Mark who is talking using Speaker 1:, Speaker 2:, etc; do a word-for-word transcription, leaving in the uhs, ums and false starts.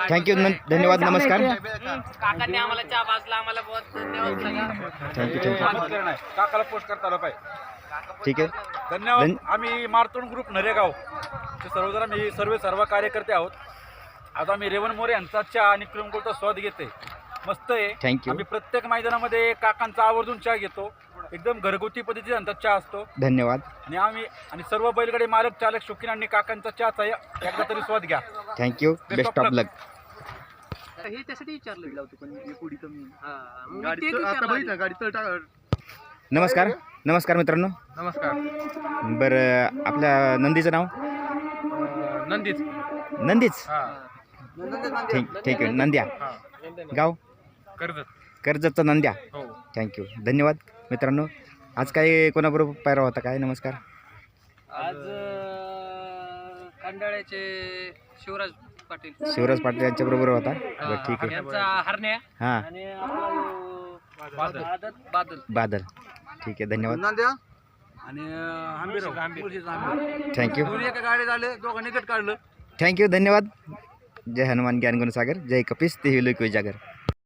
Speaker 1: Thank you धन्यवाद नमस्कार
Speaker 2: काकांनी आम्हाला चहा पाजला आम्हाला बहुत धन्यवाद सांगा
Speaker 1: थँक्यू थँक्यू
Speaker 3: काकाला पोस्ट करता आलं पाहिजे.
Speaker 1: ठीक आहे
Speaker 3: धन्यवाद.
Speaker 1: धन-
Speaker 3: आम्ही मारतोंड ग्रुप नरेगाव ते सर्वजण आम्ही सर्व सर्व कार्यकर्ते आहोत. आज आम्ही रेवण मोरे यांचा चहा आणि क्रीमकोलचा स्वाद घेते. मस्त आहे.
Speaker 1: थँक्यू
Speaker 3: आम्ही प्रत्येक मैदानामध्ये काकांचा आवर्जून चहा घेतो. एकदम घरगुती पद्धतीचा त्यांचा चहा असतो.
Speaker 1: धन्यवाद
Speaker 3: आणि आम्ही आणि सर्व बैलगाडी मालक चालक शौकीनांनी काकांचा चहाचा एकदा तरी स्वाद घ्या.
Speaker 1: थँक्यू बेस्ट ऑफ लक
Speaker 2: हे त्यासाठी विचारलं होतं पण पुढे कमी
Speaker 1: नमस्कार नमस्कार मित्रांनो
Speaker 4: नमस्कार.
Speaker 1: बरं आपल्या नंदीचं नाव
Speaker 4: नंदीच.
Speaker 1: नंदीच
Speaker 4: हा.
Speaker 1: ठीक ठीक आहे नंद्या
Speaker 4: हा.
Speaker 1: गाव
Speaker 4: कर्जत.
Speaker 1: कर्जतचा नंद्या
Speaker 4: हो.
Speaker 1: थँक्यू धन्यवाद मित्रांनो आज काय कोणाबरोबर पायरा होता काय नमस्कार
Speaker 2: आज कांडाळ्याचे शिवराज पाटील
Speaker 1: शिवराज पाटील यांच्याबरोबर होता बरं ठीक आहे
Speaker 2: यांचा हरण्या
Speaker 1: हां
Speaker 2: आणि आपला
Speaker 4: बादल.
Speaker 2: बादल बादल
Speaker 1: बादल ठीक आहे धन्यवाद
Speaker 3: आणि आंबेराव
Speaker 1: थँक्यू
Speaker 3: दोन्ही एका गाडी झाले दोघांनी गट काढलं.
Speaker 1: थँक्यू धन्यवाद जय हनुमान ज्ञान गुणसागर जय कपिस ते लोक जागर